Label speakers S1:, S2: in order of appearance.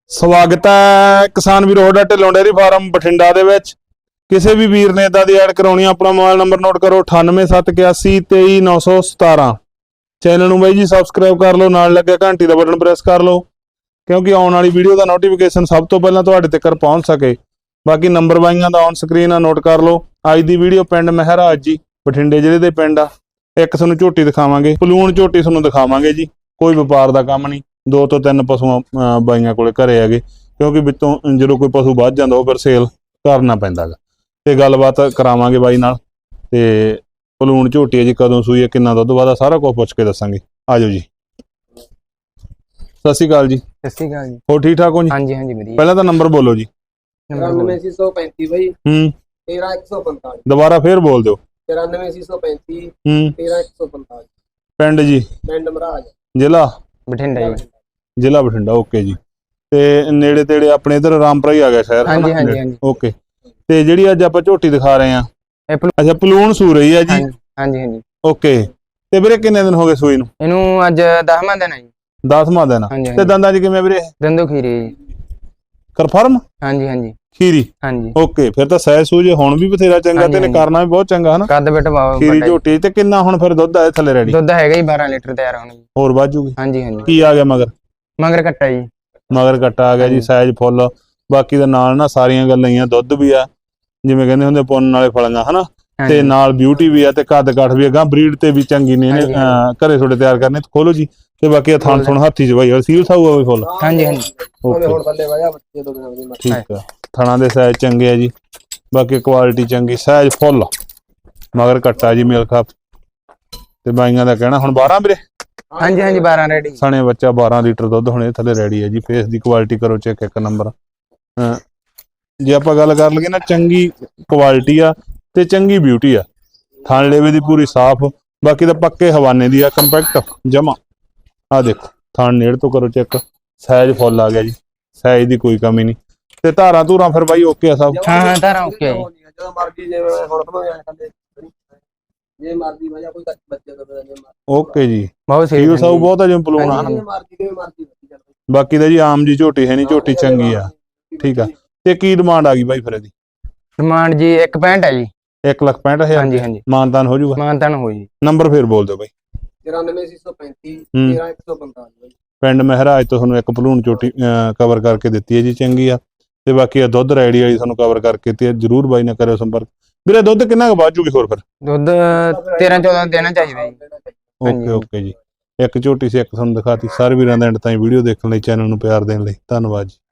S1: ਸਵਾਗਤ ਹੈ ਕਿਸਾਨ ਵੀਰ ਤੁਹਾਡਾ ਢਿੱਲੋਂ ਡੇਅਰੀ ਫਾਰਮ ਬਠਿੰਡਾ ਦੇ ਵਿੱਚ। ਕਿਸੇ ਵੀ ਵੀਰ ਨੇ ਇਦਾਂ ਦੀ ਐਡ ਕਰਾਉਣੀ ਆਪਣਾ ਮੋਬਾਈਲ ਨੰਬਰ ਨੋਟ ਕਰੋ 9871823917। ਚੈਨਲ ਨੂੰ ਬਾਈ ਜੀ ਸਬਸਕ੍ਰਾਈਬ ਕਰ ਲਓ, ਨਾਲ ਲੱਗਿਆ ਘੰਟੀ ਦਾ ਬਟਨ ਪ੍ਰੈਸ ਕਰ ਲਓ ਕਿਉਂਕਿ ਆਉਣ ਵਾਲੀ ਵੀਡੀਓ ਦਾ ਨੋਟੀਫਿਕੇਸ਼ਨ ਸਭ ਤੋਂ ਪਹਿਲਾਂ ਤੁਹਾਡੇ ਤੱਕ ਪਹੁੰਚ ਸਕੇ। ਬਾਕੀ ਨੰਬਰ ਬਾਈਆਂ ਦਾ ਔਨ ਸਕਰੀਨ ਆ, ਨੋਟ ਕਰ ਲਓ। ਅੱਜ ਦੀ ਵੀਡੀਓ ਪਿੰਡ ਮਹਿਰਾਜ ਜੀ ਬਠਿੰਡੇ ਜ਼ਿਲ੍ਹੇ ਦੇ ਪਿੰਡ ਆ। ਇੱਕ ਤੁਹਾਨੂੰ ਝੋਟੀ ਦਿਖਾਵਾਂਗੇ, ਪਲੂਣ ਝੋਟੀ ਤੁਹਾਨੂੰ ਦਿਖਾਵਾਂਗੇ ਜੀ। ਕੋਈ ਵਪਾਰ ਦਾ ਕੰਮ ਨਹੀਂ, 2 ਤੋਂ 3 ਪਸ਼ੂ ਬਾਈਆਂ ਕੋਲੇ ਘਰੇ ਹੈਗੇ ਕਿਉਂਕਿ ਵਿੱਚੋਂ ਜਦੋਂ ਕੋਈ ਪਸ਼ੂ ਵੱਧ ਜਾਂਦਾ ਉਹ ਫਿਰ ਸੇਲ ਕਰਨਾ ਪੈਂਦਾ ਗਾ। ਤੇ ਗੱਲਬਾਤ ਕਰਾਵਾਂਗੇ ਬਾਈ ਨਾਲ। ਤੇ ਪਲੂਣ ਝੋਟੀ ਹੈ ਜੀ, ਕਦੋਂ ਸੂਈ ਹੈ, ਕਿੰਨਾ ਦੁੱਧ ਵਾਦਾ, ਸਾਰਾ ਕੁਝ ਪੁੱਛ ਕੇ ਦੱਸਾਂਗੇ। ਆਜੋ ਜੀ। ਸਤਿ ਸ਼੍ਰੀ ਅਕਾਲ ਜੀ।
S2: ਸਤਿ ਸ਼੍ਰੀ ਅਕਾਲ ਜੀ।
S1: ਹੋਰ ਠੀਕ ਠਾਕ ਹੋ ਜੀ?
S2: ਹਾਂਜੀ ਹਾਂਜੀ ਵਧੀਆ।
S1: ਪਹਿਲਾਂ ਤਾਂ ਨੰਬਰ ਬੋਲੋ ਜੀ।
S3: 94635 ਬਾਈ 13145।
S1: ਦੁਬਾਰਾ ਫੇਰ ਬੋਲ ਦਿਓ।
S3: 94635 13145।
S1: ਪਿੰਡ ਜੀ?
S3: ਪਿੰਡ ਮਹਾਰਾਜ,
S1: ਜ਼ਿਲ੍ਹਾ
S2: ਬਠਿੰਡਾ ਜੀ।
S1: ਜ਼ਿਲ੍ਹਾ ਬਠਿੰਡਾ। ਓਕੇ ਜੀ। ਤੇ ਨੇੜੇ ਤੇੜੇ ਆਪਣੇ ਇਧਰ ਰਾਮਪੁਰਾ ਹੀ ਆ ਗਿਆ ਸ਼ਹਿਰ।
S2: ਹਾਂਜੀ ਹਾਂਜੀ ਹਾਂਜੀ।
S1: ਓਕੇ। ਤੇ ਜਿਹੜੀ ਅੱਜ ਆਪਾਂ ਝੋਟੀ ਦਿਖਾ ਰਹੇ ਆ,
S2: ਇਹ
S1: ਅੱਛਾ ਪਲੂਣ ਸੂ ਰਹੀ ਹੈ ਜੀ?
S2: ਹਾਂਜੀ ਹਾਂਜੀ।
S1: ਓਕੇ। ਤੇ ਵੀਰੇ ਕਿੰਨੇ ਦਿਨ ਹੋ ਗਏ ਸੂਈ ਨੂੰ?
S2: ਇਹਨੂੰ ਅੱਜ 10ਵਾਂ ਦਿਨ ਹੈ ਜੀ।
S1: 10ਵਾਂ ਦਿਨ। ਤੇ ਦੰਦਾਂ 'ਚ ਕਿਵੇਂ ਵੀਰੇ?
S2: ਦੰਦੋ ਖੀਰੀ ਜੀ।
S1: ਕਨਫਰਮ?
S2: ਹਾਂਜੀ ਹਾਂਜੀ।
S1: ਖੀਰੀ?
S2: ਹਾਂਜੀ।
S1: ਓਕੇ, ਫਿਰ ਤਾਂ ਸਹਿ ਸੂਜ ਹੁਣ ਵੀ ਬਥੇਰਾ ਚੰਗਾ ਤੇ ਨੇ ਕਰਨਾ ਵੀ ਬਹੁਤ ਚੰਗਾ ਹਨਾ।
S2: ਕੱਦ ਬਿਟ ਬਾਵਾ
S1: ਖੀਰੀ ਝੋਟੀ। ਤੇ ਕਿੰਨਾ ਹੁਣ ਫਿਰ ਦੁੱਧ ਆਏ ਥੱਲੇ ਰੈਡੀ?
S2: ਦੁੱਧ ਹੈਗਾ ਜੀ 12 ਲੀਟਰ ਤਿਆਰ ਹੋਣਾ ਜੀ।
S1: ਹੋਰ ਵੱਧ ਜੂਗੀ?
S2: ਹਾਂਜੀ ਹਾਂਜੀ।
S1: ਕੀ ਆ ਗਿਆ ਮਗਰ?
S2: ਮਗਰ ਕੱਟਾ ਜੀ।
S1: ਮਗਰ ਕੱਟਾ ਆ ਗਿਆ ਜੀ, ਸਾਈਜ਼ ਫੁੱਲ। ਬਾਕੀ ਦੇ ਨਾਲ ਨਾ ਸਾਰੀਆਂ ਗੱਲਾਂ ਹੀ ਆ, ਦੁੱਧ ਵੀ ਆ ਜਿਵੇਂ ਕਹਿੰਦੇ ਹੁੰਦੇ ਪੁੰਨ ਵਾਲੇ ਫਲੀਆਂ ਹਨਾ, ਤੇ ਨਾਲ ਬਿਊਟੀ ਵੀ ਆ ਤੇ ਕੱਦ ਕਾਠ ਵੀ ਆ। ਬਰੀਡ ਤੇ ਵੀ ਚੰਗੀ ਨੇ ਇਹਨੇ ਘਰੇ ਤੁਹਾਡੇ ਤਿਆਰ ਕਰਨੇ। ਖੋਲੋ ਜੀ। ਤੇ ਬਾਕੀ ਥਣ ਥੁਣ ਹੱਥੀ ਚ ਬਾਈ ਸੀਲ ਸਾਊ ਆ ਵੀ ਫੁੱਲ।
S2: ਹਾਂਜੀ ਹਾਂਜੀ।
S1: ਓਕੇ ਠੀਕ ਆ। ਥਣਾ ਦੇ ਸਾਈਜ਼ ਚੰਗੇ ਆ ਜੀ, ਬਾਕੀ ਕੁਆਲਿਟੀ ਚੰਗੀ, ਸਾਈਜ਼ ਫੁੱਲ, ਮਗਰ ਕੱਟਾ ਜੀ ਮੇਲ ਖਾਪ। ਤੇ ਬਾਈਆਂ ਦਾ ਕਹਿਣਾ ਹੁਣ 12 ਵੀਰੇ?
S2: ਹਾਂਜੀ ਹਾਂਜੀ 12 ਰੈਡੀ।
S1: ਸਣੇ ਬੱਚਾ 12 ਲੀਟਰ ਦੁੱਧ ਹੁਣੇ ਥੱਲੇ ਰੈਡੀ ਹੈ ਜੀ। ਫੇਸ ਦੀ ਕੁਆਲਿਟੀ ਕਰੋ ਚੈੱਕ, ਇੱਕ ਨੰਬਰ। ਜੇ ਆਪਾਂ ਗੱਲ ਕਰ ਲਈਏ ਨਾ, ਚੰਗੀ ਕੁਆਲਿਟੀ ਆ ਤੇ ਚੰਗੀ ਬਿਊਟੀ ਆ। ਥਣ ਲੇਵੇ ਦੀ ਪੂਰੀ ਸਾਫ਼, ਬਾਕੀ ਤਾਂ ਪੱਕੇ ਹਵਾਨੇ ਦੀ ਆ, ਕੰਪੈਕਟ ਜਮਾ। ਆ ਦੇਖੋ ਥਣ ਨੇੜ ਤੋਂ ਕਰੋ ਚੈੱਕ, ਸਾਈਜ਼ ਫੁੱਲ ਆ ਗਿਆ ਜੀ, ਸਾਈਜ਼ ਦੀ ਕੋਈ ਕਮੀ ਨਹੀਂ। ਤੇ ਧਾਰਾਂ ਧੂਰਾਂ ਫਿਰ ਬਾਈ ਓਕੇ ਆ ਸਭ?
S2: ਹਾਂ ਹਾਂ ਧਾਰਾਂ ਓਕੇ ਜੀ।
S3: ਜਦੋਂ ਮਰਜ਼ੀ ਜੇ ਹੁਣ ਜੇ ਮਰਜ਼ੀ ਵਜਾ ਕੋਈ ਬੱਚੇ ਤੋਂ
S1: ਓਕੇ ਜੀ।
S2: ਬਹੁਤ
S1: ਸੀਲ ਸਾਊ ਬਹੁਤ ਆ ਜਿਵੇਂ ਪਲੂਣ ਆ।
S3: ਮਰਜ਼ੀ।
S1: ਬਾਕੀ ਤਾਂ ਜੀ ਆਮ ਜੀ ਝੋਟੀ ਹੈ ਨਹੀਂ, ਝੋਟੀ ਚੰਗੀ ਆ। ਠੀਕ ਆ। ਤੇ ਕੀ ਡਿਮਾਂਡ ਆ ਗਈ ਬਾਈ ਫਿਰ ਇਹਦੀ?
S2: ਡਿਮਾਂਡ ਜੀ 1.65 ਹੈ ਜੀ।
S1: 1,65,000?
S2: ਹਾਂਜੀ ਹਾਂਜੀ।
S1: ਮਾਨਤਾਨ ਹੋ ਜਾਊਗਾ?
S2: ਮਾਨਤਾਨ ਹੋ ਜੀ।
S1: ਨੰਬਰ ਫੇਰ ਬੋਲ ਦਿਓ ਬਾਈ।
S3: 94635 13145।
S1: ਪਿੰਡ ਮਹਿਰਾਜ ਤੋਂ ਤੁਹਾਨੂੰ ਇੱਕ ਪਲੂਣ ਝੋਟੀ ਕਵਰ ਕਰਕੇ ਦਿੱਤੀ ਹੈ ਜੀ, ਚੰਗੀ ਆ। ਤੇ ਬਾਕੀ ਆ ਦੁੱਧ ਰੈਡੀ ਵਾਲੀ ਤੁਹਾਨੂੰ ਕਵਰ ਕਰਕੇ ਦਿੱਤੀ ਹੈ। ਜਰੂਰ ਬਾਈ ਨਾਲ ਕਰਿਓ ਸੰਪਰਕ। ਵੀਰੇ ਦੁੱਧ ਕਿੰਨਾ ਕੁ ਵੱਧ ਜੂਗੀ ਹੋਰ ਫਿਰ?
S2: ਦੁੱਧ 13-14 ਦੇਣਾ ਚਾਹੀਦਾ ਜੀ।
S1: ਓਕੇ ਓਕੇ ਜੀ। ਇੱਕ ਝੋਟੀ ਸੀ, ਇੱਕ ਤੁਹਾਨੂੰ ਦਿਖਾਤੀ। ਸਾਰੇ ਵੀਰਾਂ ਦਾ ਐਂਡ ਤਾਈਂ ਵੀਡੀਓ ਦੇਖਣ ਲਈ, ਚੈਨਲ ਨੂੰ ਪਿਆਰ ਦੇਣ ਲਈ ਧੰਨਵਾਦ ਜੀ।